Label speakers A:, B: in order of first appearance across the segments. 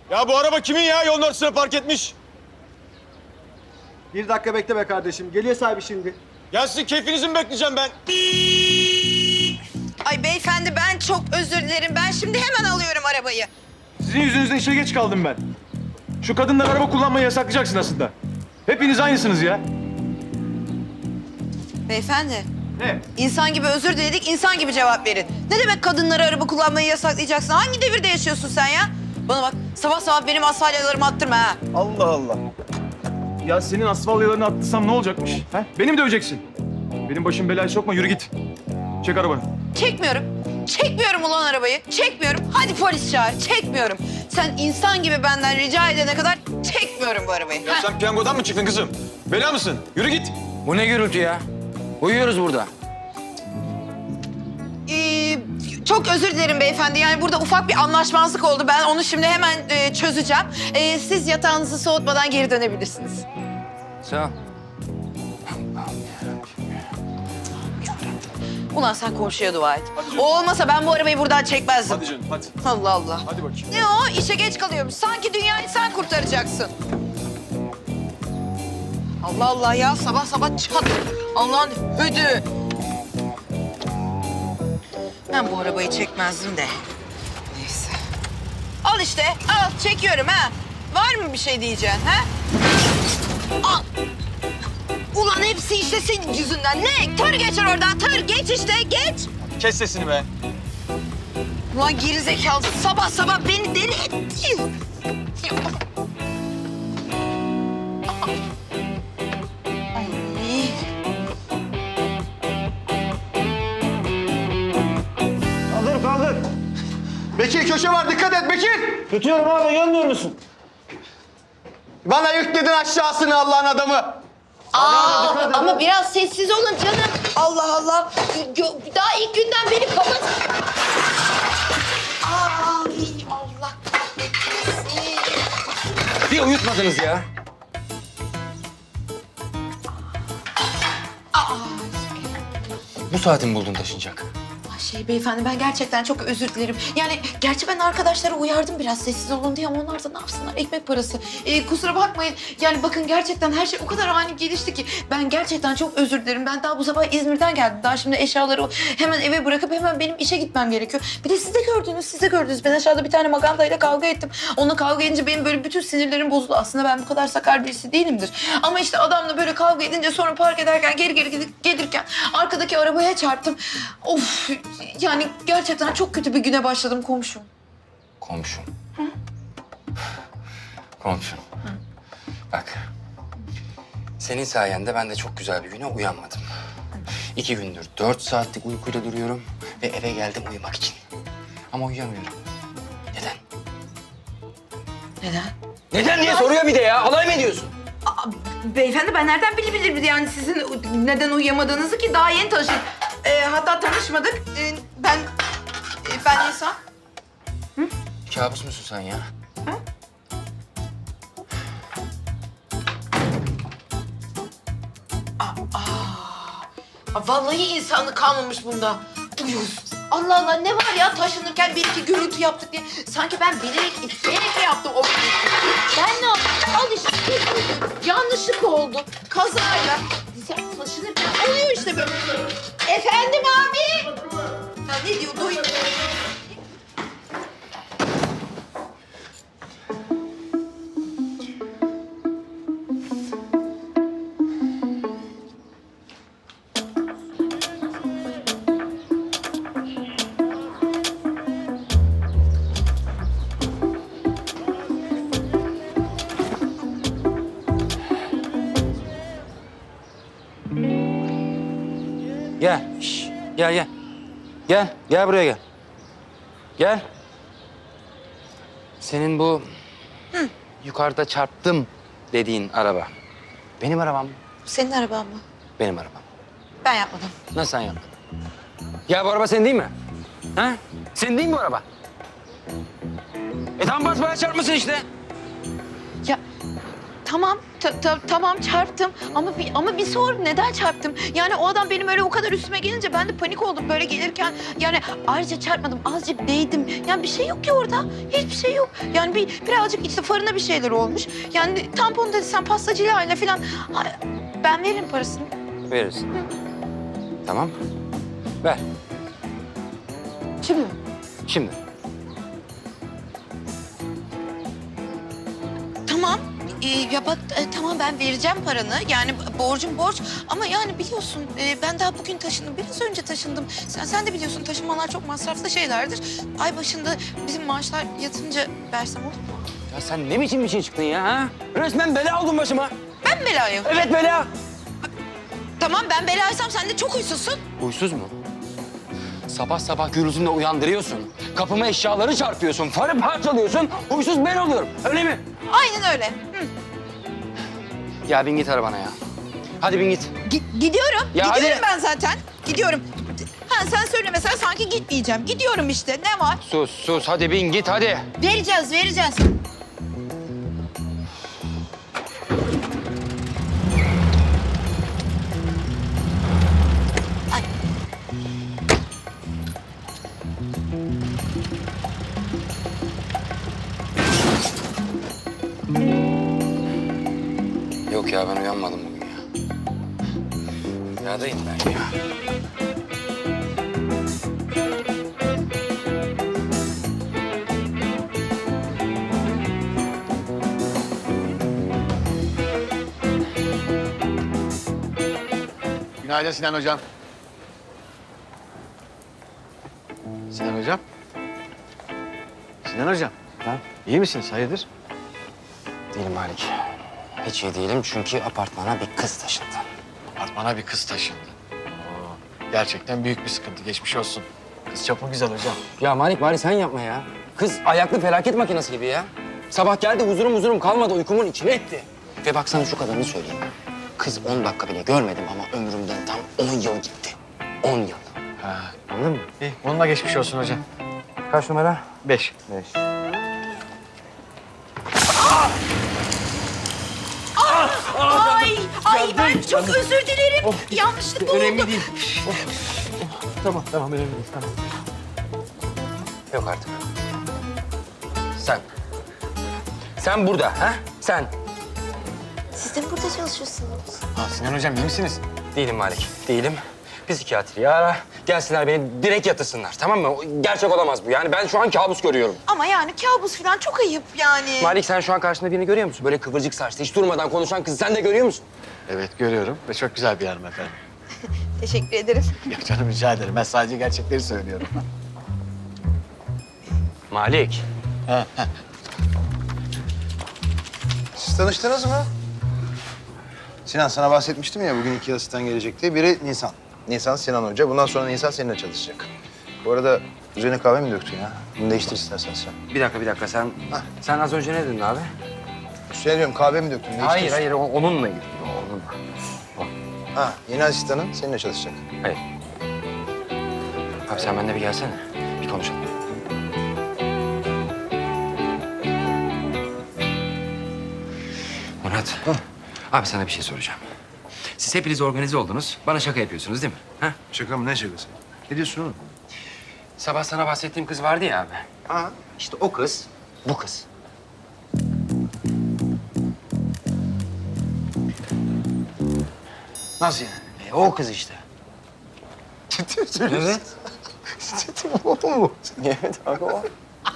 A: Ya bu araba kimin ya? Yolun ortasına park etmiş.
B: Bir dakika bekle be kardeşim. Geliyor sahibi şimdi.
A: Ya sizin keyfinizi mi bekleyeceğim ben?
C: Ay beyefendi ben çok özür dilerim. Ben şimdi hemen alıyorum arabayı.
A: Sizin yüzünüzden işe geç kaldım ben. Şu kadınlar araba kullanmayı yasaklayacaksın aslında. Hepiniz aynısınız ya.
C: Beyefendi,
A: Ne?
C: insan gibi özür diledik, insan gibi cevap verin. Ne demek kadınlara araba kullanmayı yasaklayacaksın? Hangi devirde yaşıyorsun sen ya? Bana bak, sabah sabah benim asfalyalarımı attırma ha.
A: Allah Allah. Ya senin asfalyalarını attırsam ne olacakmış? He? Beni mi döveceksin? Benim başım belaya sokma, yürü git. Çek arabanı.
C: Çekmiyorum. Çekmiyorum ulan arabayı. Çekmiyorum. Hadi polis çağır. Çekmiyorum. Sen insan gibi benden rica edene kadar çekmiyorum bu arabayı.
A: Ya sen piyangodan mı çıktın kızım? Bela mısın? Yürü git.
D: Bu ne gürültü ya? Uyuyoruz burada.
C: Çok özür dilerim beyefendi. Yani burada ufak bir anlaşmazlık oldu. Ben onu şimdi hemen çözeceğim. Siz yatağınızı soğutmadan geri dönebilirsiniz.
D: Sağ ol.
C: Ulan sen komşuya dua et. O olmasa ben bu arabayı buradan çekmezdim.
A: Hadi canım, hadi.
C: Allah Allah.
A: Hadi bakayım.
C: Ne o? İşe geç kalıyormuş. Sanki dünyayı sen kurtaracaksın. Allah Allah ya. Sabah sabah çat. Allah'ın ödü. Ben bu arabayı çekmezdim de. Neyse. Al işte. Al. Çekiyorum ha. Var mı bir şey diyeceksin ha? Al. Ulan hepsi işte senin yüzünden. Ne? Tır geçer oradan. Tır. Geç işte. Geç.
A: Kes sesini be.
C: Ulan gerizekalı sabah sabah beni deli etti. Ay.
B: Kaldır kaldır. Bekir köşe var dikkat et Bekir.
A: Tutuyorum abi, görmüyor musun?
B: Bana yükledin aşağısını Allah'ın adamı.
C: Ama biraz sessiz olun canım. Allah Allah. Daha ilk günden beni kapat. Ay Allah kahretsin.
D: Bir uyutmadınız ya. Bu saati mi buldun taşınacak?
C: Beyefendi ben gerçekten çok özür dilerim. Yani gerçi ben arkadaşlara uyardım biraz sessiz olun diye ama onlar da ne yapsınlar ekmek parası. Kusura bakmayın. Yani bakın gerçekten her şey o kadar ani gelişti ki ben gerçekten çok özür dilerim. Ben daha bu sabah İzmir'den geldim. Daha şimdi eşyaları hemen eve bırakıp hemen benim işe gitmem gerekiyor. Bir de siz de gördünüz. Ben aşağıda bir tane magandayla kavga ettim. Onunla kavga edince benim böyle bütün sinirlerim bozuldu. Aslında ben bu kadar sakar birisi değilimdir. Ama işte adamla böyle kavga edince sonra park ederken geri gelirken arkadaki arabaya çarptım. Of yani gerçekten çok kötü bir güne başladım komşum.
D: Komşum. Komşum. Bak. Senin sayende ben de çok güzel bir güne uyanmadım. 2 gündür 4 saatlik uykuyla duruyorum ve eve geldim uyumak için. Ama uyuyamıyorum. Neden?
C: Neden?
D: Neden diye soruyor bir de ya. Alay mı ediyorsun?
C: Beyefendi ben nereden bilebilirim yani sizin neden uyuyamadığınızı ki daha yeni tanıştık. Hatta tanışmadık. Ben insan.
D: Kabus musun sen ya?
C: Vallahi insanlık kalmamış bunda. Uyuz. Allah Allah ne var ya taşınırken bir iki gürültü yaptık diye. Sanki ben bilerek isteyerek yaptım o gürültüyü. Ben ne yaptım? Al işte. Yanlışlık oldu. Kazayla. Sen taşınırken oluyor işte böyle. Efendim abi. Ya ne diyor? Duyuyor.
D: Gel. Gel. Gel buraya gel. Gel. Senin bu yukarıda çarptım dediğin araba. Benim arabam mı?
C: Senin araban mı?
D: Benim arabam.
C: Ben yapmadım.
D: Nasıl sen yaptın? Ya bu araba senin değil mi? Ha? Senin değil mi bu araba? Tam basmaya çarpmışsın işte.
C: Ya tamam çarptım ama bir sor neden çarptım? Yani o adam benim öyle o kadar üstüme gelince ben de panik oldum böyle gelirken. Yani ayrıca çarpmadım, azıcık değdim. Yani bir şey yok ki orada. Hiçbir şey yok. Yani birazcık işte farına bir şeyler olmuş. Yani tampon dedi sen pastacıyla aile falan. Ay, ben veririm parasını.
D: Verirsin. Tamam. Ver.
C: Şimdi mi?
D: Şimdi.
C: Tamam. Ya bak tamam ben vereceğim paranı. Yani borcum borç. Ama yani biliyorsun ben daha bugün taşındım. Biraz önce taşındım. Sen de biliyorsun taşınmalar çok masraflı şeylerdir. Ay başında bizim maaşlar yatınca versem olur mu?
D: Ya sen ne biçim bir şey çıktın ya ha? Resmen bela oldun başıma.
C: Ben mi belayım?
D: Evet bela.
C: Tamam ben belaysam sen de çok huysuzsun.
D: Huysuz mu? Sabah sabah gürültünle uyandırıyorsun. Kapıma eşyaları çarpıyorsun. Farı parçalıyorsun. Huysuz ben oluyorum. Öyle mi?
C: Aynen öyle. Hı.
D: Ya bin git arabana ya. Hadi bin git.
C: Gidiyorum.
D: Ya
C: Gidiyorum
D: hadi.
C: ben zaten. Gidiyorum. Ha sen söylemesen sanki gitmeyeceğim. Gidiyorum işte. Ne var?
D: Sus. Hadi bin git hadi.
C: Vereceğiz. Ay.
D: Yok ya ben uyanmadım bugün ya. Rüyadayım ben ya.
B: Günaydın Sinan Hocam. Sinan Hocam. Sinan Hocam.
D: Ha?
B: İyi misiniz? Hayırdır?
D: Değilim Malik. Hiç iyi değilim çünkü apartmana bir kız taşındı.
B: Apartmana bir kız taşındı. Gerçekten büyük bir sıkıntı. Geçmiş olsun. Kız çok mu güzel hocam?
D: Ya Malik sen yapma ya. Kız ayaklı felaket makinesi gibi ya. Sabah geldi huzurum kalmadı uykumun içine etti. Ve bak sana şu kadarını söyleyeyim. Kız 10 dakika bile görmedim ama ömrümden tam 10 yıl gitti. 10 yıl.
B: Ha.
D: Anladın mı?
B: İyi. Onunla geçmiş olsun hocam.
D: Kaç numara?
B: 5.
D: 5.
C: Ay ben çok özür dilerim. Yanlışlıkla oldu.
D: Önemli değil. Tamam önemli değil tamam. Yok artık. Sen burada ha? Sen.
C: Siz de mi burada çalışıyorsunuz?
B: Ha, Sinan Hocam iyi misiniz?
D: Değilim Malik, değilim. Psikiyatriyi ara, gelsinler beni direkt yatırsınlar, tamam mı? Gerçek olamaz bu. Yani ben şu an kabus görüyorum.
C: Ama yani kabus falan çok ayıp yani.
D: Malik sen şu an karşında birini görüyor musun? Böyle kıvırcık saçlı, hiç durmadan konuşan kızı sen de görüyor musun?
B: Evet görüyorum ve çok güzel bir hanımefendi.
C: Teşekkür ederim.
B: Yok canım rica ederim. Ben sadece gerçekleri söylüyorum.
D: Malik.
E: Siz tanıştınız mı? Sinan sana bahsetmiştim ya bugün 2 asistan gelecek diye. Biri Nisan. Nisan Sinan Hoca. Bundan sonra Nisan seninle çalışacak. Bu arada üzerine kahve mi döktün ya? Bunu değiştir istersen sen.
D: Bir dakika sen... Sen az önce ne dedin abi?
E: Üstüne diyorum kahve mi döktün? Değiştir.
D: Hayır, onunla ilgili. Onunla.
E: Ha, yeni asistanın seninle çalışacak.
D: Hayır. Abi sen benimle bir gelsene, bir konuşalım. Murat, abi sana bir şey soracağım. Siz hepiniz organize oldunuz, bana şaka yapıyorsunuz değil mi? Ha?
E: Şaka mı? Ne şakası? Ne diyorsun oğlum?
D: Sabah sana bahsettiğim kız vardı ya abi.
E: Ha?
D: İşte o kız, bu kız.
E: Nasıl yani?
D: O kız işte.
E: Ciddi mi söylüyorsun?
D: Evet.
E: Ciddi mi? O mu?
D: Evet abi o.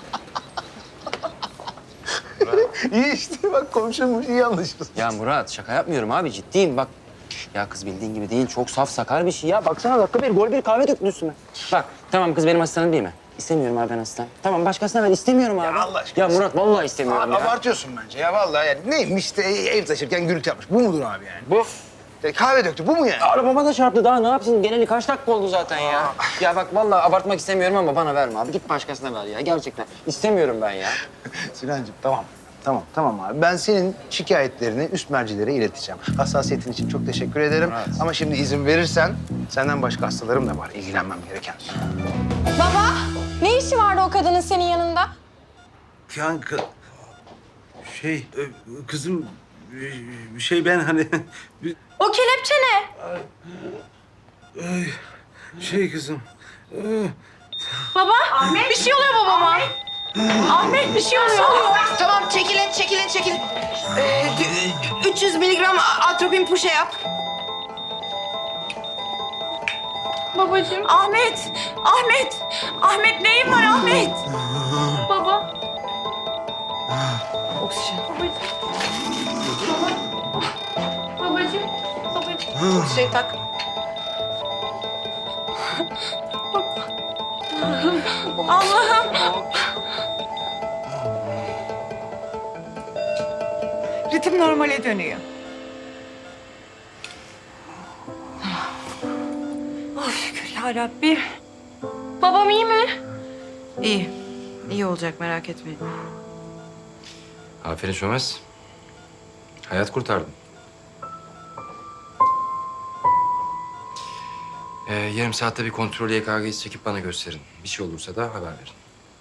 E: İyi işte bak komşummuş iyi anlaşıyorsun.
D: Ya Murat şaka yapmıyorum abi ciddiyim bak. Ya kız bildiğin gibi değil çok saf sakar bir şey ya. Baksana dakika bir gol bir kahve döktün üstüme. Bak tamam kız benim asistanım değil mi? İstemiyorum abi ben asistan. Tamam başkasına ver istemiyorum abi.
E: Ya Allah aşkına.
D: Ya Murat vallahi istemiyorum
E: Abi
D: ya.
E: abartıyorsun bence ya vallahi yani neymiş işte ev taşırken gürültü yapmış. Bu mudur abi yani?
D: Bu.
E: Kahve döktü bu mu yani?
D: Arabama da çarptı daha ne yapsın? Geleli kaç dakika oldu zaten ya. Ya bak vallahi abartmak istemiyorum ama bana verme abi. Git başkasına ver ya gerçekten. İstemiyorum ben ya.
E: Sinancığım tamam abi. Ben senin şikayetlerini üst mercilere ileteceğim. Hassasiyetin için çok teşekkür ederim.
D: Evet.
E: Ama şimdi izin verirsen senden başka hastalarım da var ilgilenmem gereken.
F: Baba, ne işi vardı o kadının senin yanında?
G: Yani kızım Ben hani...
F: O kelepçe ne?
G: Kızım...
F: Baba. Ahmet. Bir şey oluyor babama. Ahmet bir şey oluyor.
C: Tamam çekilin. 300 miligram atropin puşe yap.
F: Babacığım. Ahmet. Ahmet neyin var Ahmet? Baba.
C: Oksijen.
F: Babacığım.
C: Oksijen tak.
F: Allah'ım.
C: Ritim normale dönüyor.
F: Oh şükür yarabbim. Babam iyi mi?
C: İyi olacak merak etmeyin.
D: Aferin Sönmez. Hayat kurtardın. Yarım saatte bir kontrol EKG'si çekip bana gösterin. Bir şey olursa da haber verin.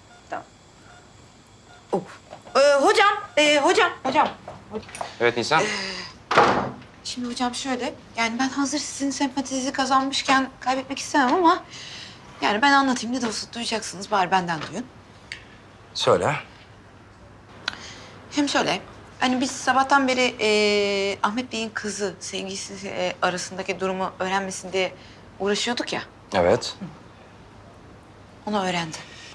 C: Hocam.
D: Evet Nisan.
C: Şimdi hocam şöyle, yani ben hazır sizin sempatinizi kazanmışken kaybetmek istemem ama... ...yani ben anlatayım ne de olsa duyacaksınız, bari benden duyun.
D: Söyle.
C: Hem şöyle, hani biz sabahtan beri Ahmet Bey'in kızı, sevgilisi arasındaki durumu öğrenmesin diye uğraşıyorduk ya.
D: Evet.
C: Onu öğrendi.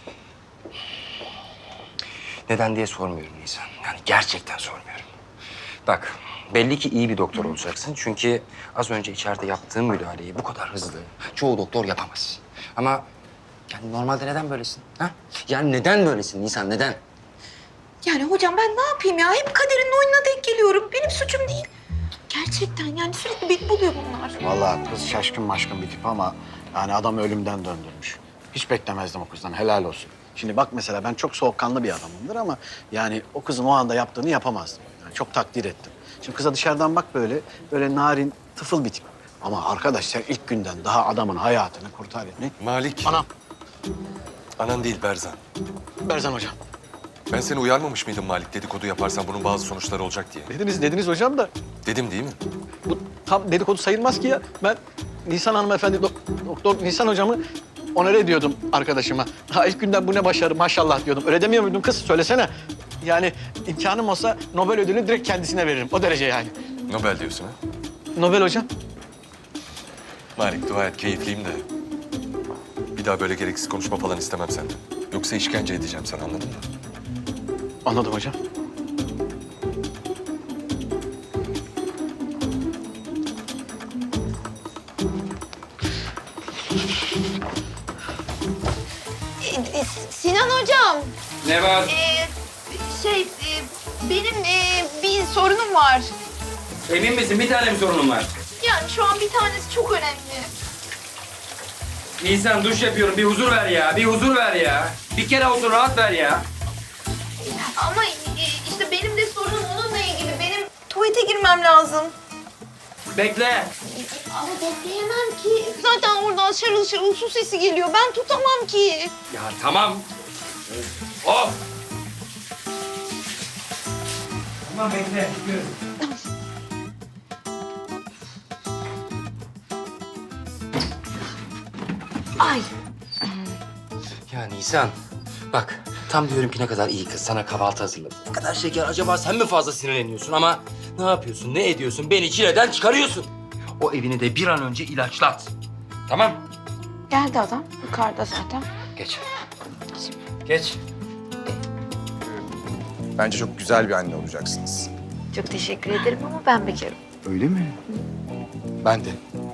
D: Neden diye sormuyorum Nisan. Yani gerçekten sormuyorum. Bak, belli ki iyi bir doktor olacaksın. Çünkü az önce içeride yaptığın müdahaleyi bu kadar hızlı çoğu doktor yapamaz. Ama yani normalde neden böylesin? Ha? Yani neden böylesin Nisan, neden?
C: Yani hocam ben ne yapayım ya? Hep kaderin oyununa denk geliyorum. Benim suçum değil. Gerçekten yani sürekli beni buluyor bunlar.
H: Vallahi kız şaşkın maşkın bir tip ama yani adam ölümden döndürmüş. Hiç beklemezdim o kızdan, helal olsun. Şimdi bak mesela ben çok soğukkanlı bir adamımdır ama yani o kızın o anda yaptığını yapamazdım. Yani çok takdir ettim. Şimdi kıza dışarıdan bak böyle narin, tıfıl bir tip. Ama arkadaş sen ilk günden daha adamın hayatını kurtar. Ne?
I: Malik.
H: Anam,
I: Anan değil Berzan.
H: Berzan hocam.
I: Ben seni uyarmamış mıydım Malik dedikodu yaparsan bunun bazı sonuçları olacak diye?
H: Dediniz hocam da
I: Dedim değil mi?
H: bu tam dedikodu sayılmaz ki ya. Ben Nisan hanımefendi, doktor Nisan hocamı onore ediyordum arkadaşıma. Ha ilk günden bu ne başarı maşallah diyordum. Öyle demiyor muydun kız? Söylesene. Yani imkanım olsa Nobel ödülünü direkt kendisine veririm. O derece yani.
I: Nobel diyorsun ha?
H: Nobel hocam.
I: Malik dua et keyifliyim de. Bir daha böyle gereksiz konuşma falan istemem senden. Yoksa işkence edeceğim sana anladın mı?
H: Anladım hocam.
C: Sinan hocam.
D: Ne var?
C: Benim bir sorunum var.
D: Emin misin? Bir tane mi sorunun var?
C: Yani şu an bir tanesi çok önemli.
D: Nisan duş yapıyorum. Bir huzur ver ya. Bir huzur ver ya. Bir kere olsun rahat ver ya.
C: Ama işte benim de sorunum onunla ilgili. Benim tuvalete girmem lazım.
D: Bekle.
C: Ama bekleyemem ki. Zaten oradan şarıl şarıl su sesi geliyor. Ben tutamam ki.
D: Ya tamam. Of. Tamam bekle. Gidiyorum.
C: Ay.
D: Ya Nisan, bak tam diyorum ki ne kadar iyi kız sana kahvaltı hazırladı. Ne kadar şeker acaba sen mi fazla sinirleniyorsun ama ne yapıyorsun, ne ediyorsun? Beni çileden çıkarıyorsun. O evini de bir an önce ilaçlat. Tamam?
C: Geldi adam. Yukarıda zaten.
D: Geç. Geç.
E: Bence çok güzel bir anne olacaksınız.
C: Çok teşekkür ederim ama ben bekarım.
E: Öyle mi? Ben de.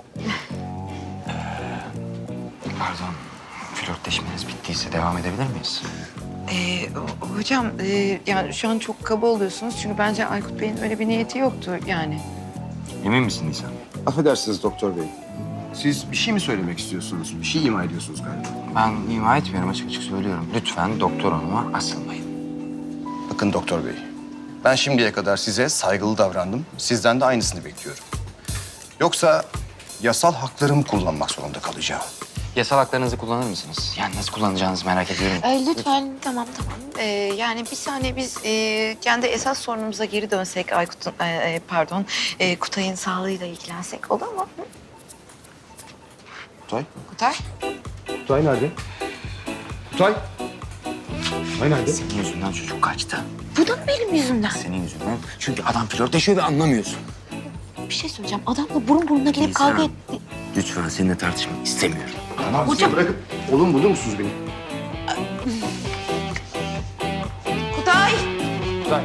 D: Pardon, flörtleşmeniz bittiyse devam edebilir miyiz?
C: Hocam yani şu an çok kaba oluyorsunuz. Çünkü bence Aykut Bey'in öyle bir niyeti yoktu yani.
D: Emin misin Nisan?
E: Affedersiniz doktor bey. Siz bir şey mi söylemek istiyorsunuz? Bir şey ima ediyorsunuz galiba.
D: Ben ima etmiyorum, açık açık söylüyorum. Lütfen doktor hanıma asılmayın.
E: Bakın doktor bey. Ben şimdiye kadar size saygılı davrandım. Sizden de aynısını bekliyorum. Yoksa yasal haklarımı kullanmak zorunda kalacağım.
D: yasal haklarınızı kullanır mısınız? Yani nasıl kullanacağınızı merak ediyorum.
C: Lütfen tamam. Yani bir saniye biz kendi esas sorunumuza geri dönsek Aykut'un Kutay'ın sağlığıyla ilgilensek olur mu? Hı?
E: Kutay?
C: Kutay?
E: Kutay nerede? Kutay? Kutay nerede?
D: Senin yüzünden çocuk kaçtı.
C: Bu da mı benim yüzümden?
D: Senin yüzünden. Çünkü adam flörtleşiyor ve anlamıyorsun.
C: Bir şey söyleyeceğim. Adamla burun buruna gelip
D: Nisan.
C: kavga etti.
D: Lütfen seninle tartışmak istemiyorum.
E: Tamam,
C: Hocam.
E: bırakıp oğlum bulur musunuz beni?
C: Kutay!
E: Kutay.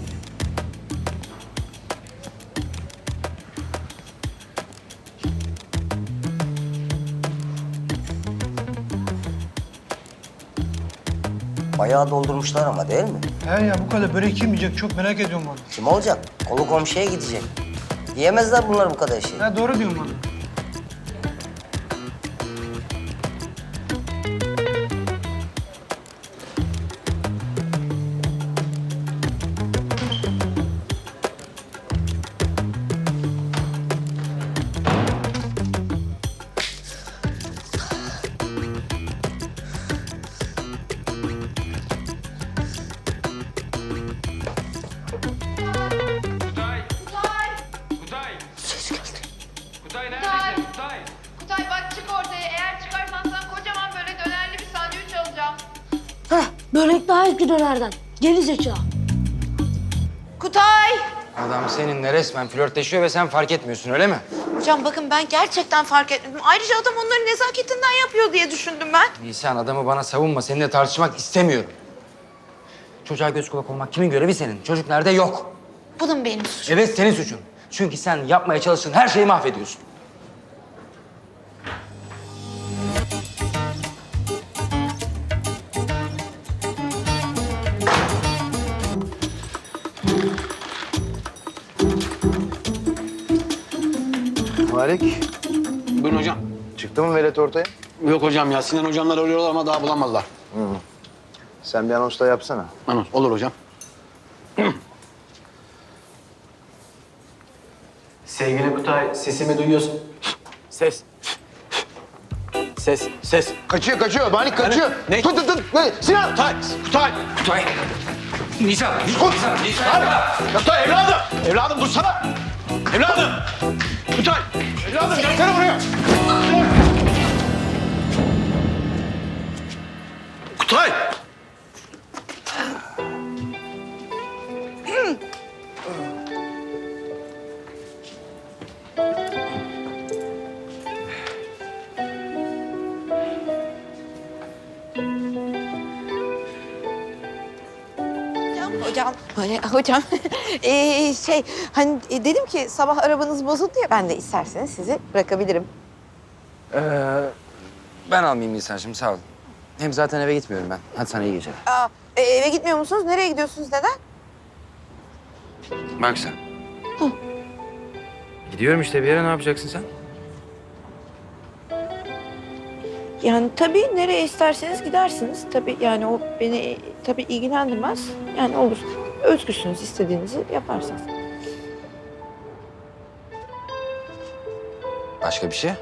G: Bayağı doldurmuşlar ama değil mi?
J: He ya bu kadar börek kim yiyecek çok merak ediyorum onu.
G: Kim olacak? Kolu komşuya gidecek. Yiyemezler bunlar bu kadar şey.
J: Ha doğru diyorsun bana.
C: Kutay bak çık ortaya. Eğer çıkarsan sana kocaman böyle dönerli bir sandviç alacağım.
F: Börek daha eski dönerden. Geri zeka.
C: Kutay!
D: Adam seninle resmen flörtleşiyor ve sen fark etmiyorsun öyle mi?
C: Hocam bakın ben gerçekten fark etmedim. Ayrıca adam onları nezaketinden yapıyor diye düşündüm ben.
D: Nisan adamı bana savunma. Seninle tartışmak istemiyorum. Çocuğa göz kulak olmak kimin görevi senin? Çocuk nerede? Yok.
C: Bu da mı benim suçum?
D: Evet senin suçun. Çünkü sen yapmaya çalıştığın her şeyi mahvediyorsun.
E: Malik,
H: Buyurun hocam.
E: çıktı mı velet ortaya?
H: Yok hocam ya Sinan hocamlar arıyorlar ama daha bulamadılar.
E: Sen bir anons da yapsana.
H: Anons olur hocam. Sevgili Kutay, sesimi duyuyorsun. Ses. Ses.
E: Kaçıyor. Malik kaçıyor.
H: Ne?
E: Tut. Ne? Sinan!
H: Kutay.
D: Nisan!
H: Kutay evladım. Evladım dursana. Evladım. Kutay. Evladım gelsene buraya. Kutay.
C: Hocam dedim ki sabah arabanız bozuldu ya ben de isterseniz sizi bırakabilirim.
D: Ben almayayım Nisan'cığım sağ ol. Hem zaten eve gitmiyorum ben. Hadi sana iyi geceler.
C: Eve gitmiyor musunuz? Nereye gidiyorsunuz? Neden?
D: Bak sen. Gidiyorum işte bir yere ne yapacaksın sen?
C: Yani tabii nereye isterseniz gidersiniz. Tabii yani o beni tabii ilgilendirmez. Yani olur. Özgürsünüz istediğinizi yaparsınız.
D: Başka bir şey?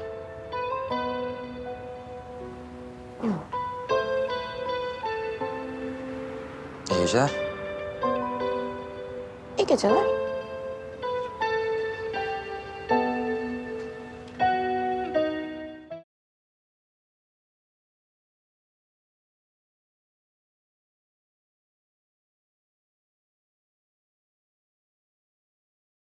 D: İyi geceler.
C: İyi geceler.